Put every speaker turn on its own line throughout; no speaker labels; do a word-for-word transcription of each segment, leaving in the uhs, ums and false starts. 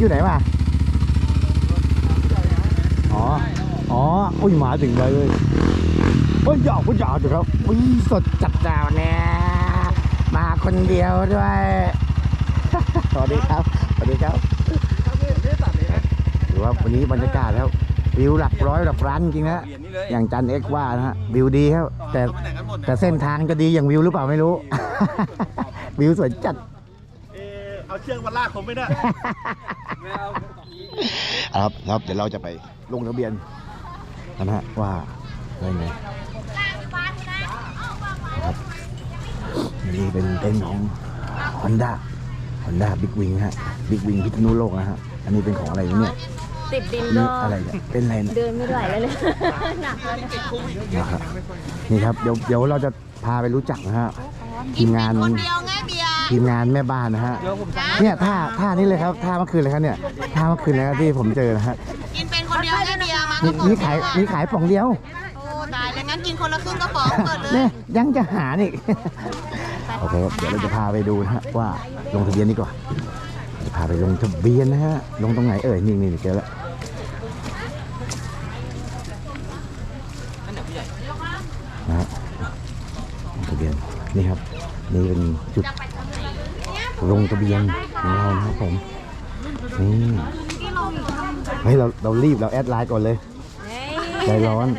อยู่ไหนมาอ๋ออ๋ออุ้ยมาถึงเลยเว้ยโอ้ยหยอกก็หยอกเดี๋ยวครับอุ้ยสดจัดจ้าวเนี่ยมาคนเดียวด้วยสวัสดีครับสวัสดีครับหรือว่าวันนี้บรรยากาศแล้ววิวหลักร้อยหลักล้านจริงนะอย่างจันเอ็กว่านะฮะวิวดีครับแต่แต่เส้นทางจะดีอย่างวิวหรือเปล่าไม่รู้ วิวสวยจัด
เอาเชือกมาลากผมไม่ได้
ครับครับเดี๋ยวเราจะไปลงทะเบียนนะฮะว่าอะไรไงครับนี่เป็นเต็นท์ของ Honda Honda Big Wing ฮะ Big Wing พิษณุโลกนะฮะอันนี้เป็นของอะไรเนี่ย
ติดดินก็
อะไรเนี่ยเป็นอะไรเนี่ย
เดินไม่ไหวแล้วเลยหนักเลย
นะครับนี่ครับเดี๋ยวเดี๋ยวเราจะพาไปรู้จักนะฮะทีมงานทีมงานแม่บ้านนะฮะเนี่ยท่าท่านี้เลยครับท่าเมื่อคืนเลยครับเนี่ยท่าเมื่อคืนเลยครับที่ผมเจอนะฮะ
กินเป็นคนเดียวให้เบียร์มา
มีขายมีขายป๋องเดียว
โอ้ตายแล้วงั้นกินคนละครึ่งกระป๋องเปิดเลย
เนี่ยยังจะหาอีกโอเคเดี๋ยวเราจะพาไปดูนะฮะว่าลงทะเบียนนี่ก่อนจะพาไปลงทะเบียนนะฮะลงตรงไหนเอ่ยนี่นี่เจอแล้วนะฮะลงทะเบียนนี่ครับนี่เป็นจุดลงทะเบียนของเรานะครับผมนี่เฮ้ยเราเรารีบเราแอดไลน์ก่อนเลยใจร้อน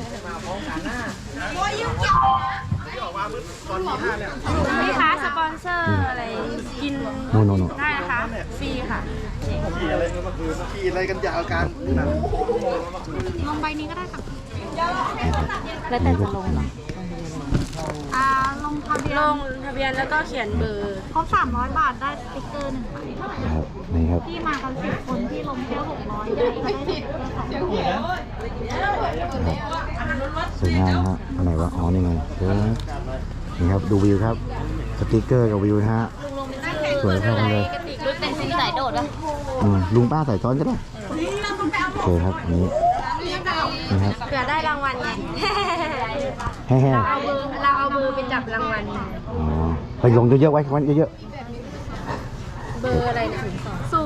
นี่คะสปอนเซอร์อะไรกิน
โน่โน่โน่
ได้นะคะฟรีค่ะ
ขี่อะไรกันเมื่อคืนขี่อะไรกันยาวกัน
ลงใบนี้ก็ได้ค่ะ
แล้วแต่จะลงเหรอ
อ่าลงทะเบียน
ลงทะเบียนแล้วก็เขียนเบอร์
ครบสามร้อยบาทได้สติ๊กเกอร์หนึ่งใบ
ครับนี่ครับ
ที่มากันสิบคนที่ลงแค่หกร้อยได้ได้สติ๊กเกอร์สอง
สวยงามฮะอันไหนวะอ๋อนี่ไงเจอนี่ครับดูวิวครับสติ๊กเกอร์กับวิวนะฮะสวยเข้ากันเลย
รถเป็นสีสายโดดนะ
ลุงป้าใส่ซ้อนก็ได้โอเคครับนี้นี่ครับ
เผื่อได้รางวัลไง
แฮ่
เราเอาเบอร์เราเอาเบอร์ไปจับรางวัล
อ๋อไปลงเยอะๆไว้วันเยอะ
ๆเบอร์อะไรนะศู